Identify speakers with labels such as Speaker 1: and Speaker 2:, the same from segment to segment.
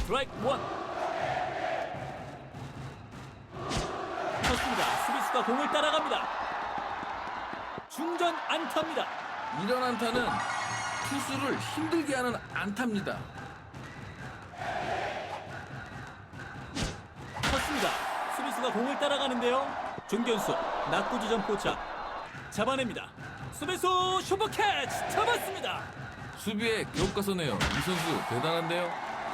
Speaker 1: 스트라이크 원. 쳤습니다. 수비수가 공을 따라갑니다. 중전 안타입니다.
Speaker 2: 이런 안타는 투수를 힘들게 하는 안타입니다.
Speaker 1: 쳤습니다. 수비수가 공을 따라가는데요. 중견수 낙구 지점 포착 잡아냅니다. 수비수 슈퍼캐치 잡았습니다.
Speaker 2: 수비에 교과서네요. 이 선수 대단한데요.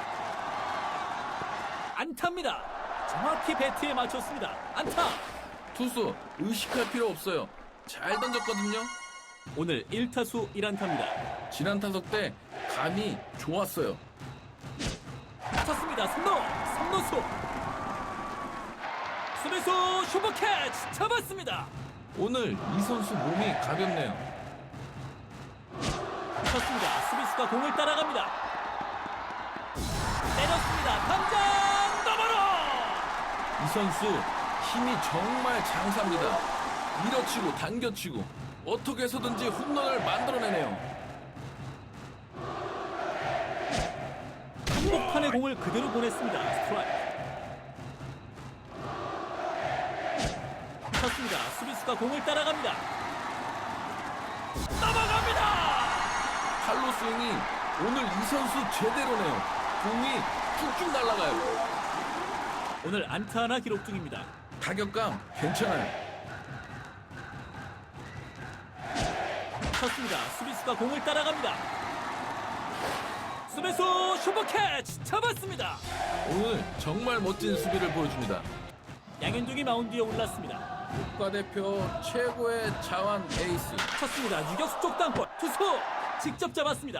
Speaker 1: 안타입니다. 정확히 배트에 맞췄습니다. 안타.
Speaker 2: 투수 의식할 필요 없어요. 잘 던졌거든요.
Speaker 1: 오늘 1타수 1안타입니다.
Speaker 2: 지난 타석 때 감이 좋았어요.
Speaker 1: 쳤습니다. 3루수 수비수 슈퍼캐치 잡았습니다.
Speaker 2: 오늘 이 선수 몸이 가볍네요.
Speaker 1: 쳤습니다. 수비수가 공을 따라갑니다. 때렸습니다. 담장 너머로.
Speaker 2: 이 선수 힘이 정말 장사입니다. 밀어치고 당겨치고 어떻게 해서든지 홈런을 만들어내네요.
Speaker 1: 한복판에 공을 그대로 보냈습니다. 스트라이크. 쳤습니다. 수비수가 공을 따라갑니다. 넘어갑니다.
Speaker 2: 팔로 스윙이 오늘 이 선수 제대로네요. 공이 쭉쭉 날아가요.
Speaker 1: 오늘 안타 하나 기록 중입니다.
Speaker 2: 타격감 괜찮아요.
Speaker 1: 쳤습니다. 수비수가 공을 따라갑니다. 수비수 슈퍼캐치 잡았습니다.
Speaker 2: 오늘 정말 멋진 수비를 보여줍니다.
Speaker 1: 양현종이 마운드에 올랐습니다.
Speaker 2: 국가대표 최고의 자완 에이스.
Speaker 1: 쳤습니다. 유격수 쪽 땅볼 투수 직접 잡았습니다.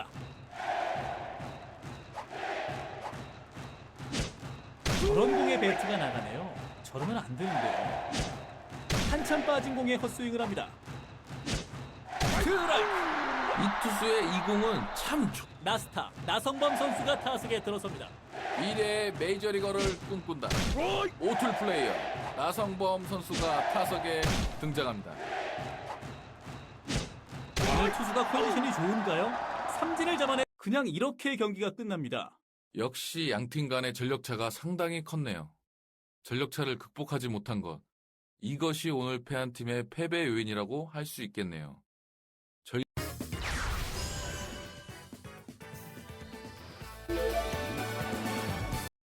Speaker 1: 저런 공에 배트가 나가네요. 저러면 안 되는데요. 한참 빠진 공에 헛스윙을 합니다. 드라이브.
Speaker 2: 이 투수의 이 공은 참
Speaker 1: 나스타 나성범 선수가 타석에 들어섭니다.
Speaker 2: 미래의 메이저리거를 꿈꾼다. 오툴 플레이어 나성범 선수가 타석에 등장합니다.
Speaker 1: 오늘 투수가 컨디션이 좋은가요? 삼진을 잡아내 그냥 이렇게 경기가 끝납니다.
Speaker 2: 역시 양팀 간의 전력차가 상당히 컸네요. 전력차를 극복하지 못한 것, 이것이 오늘 패한 팀의 패배 요인이라고 할 수 있겠네요.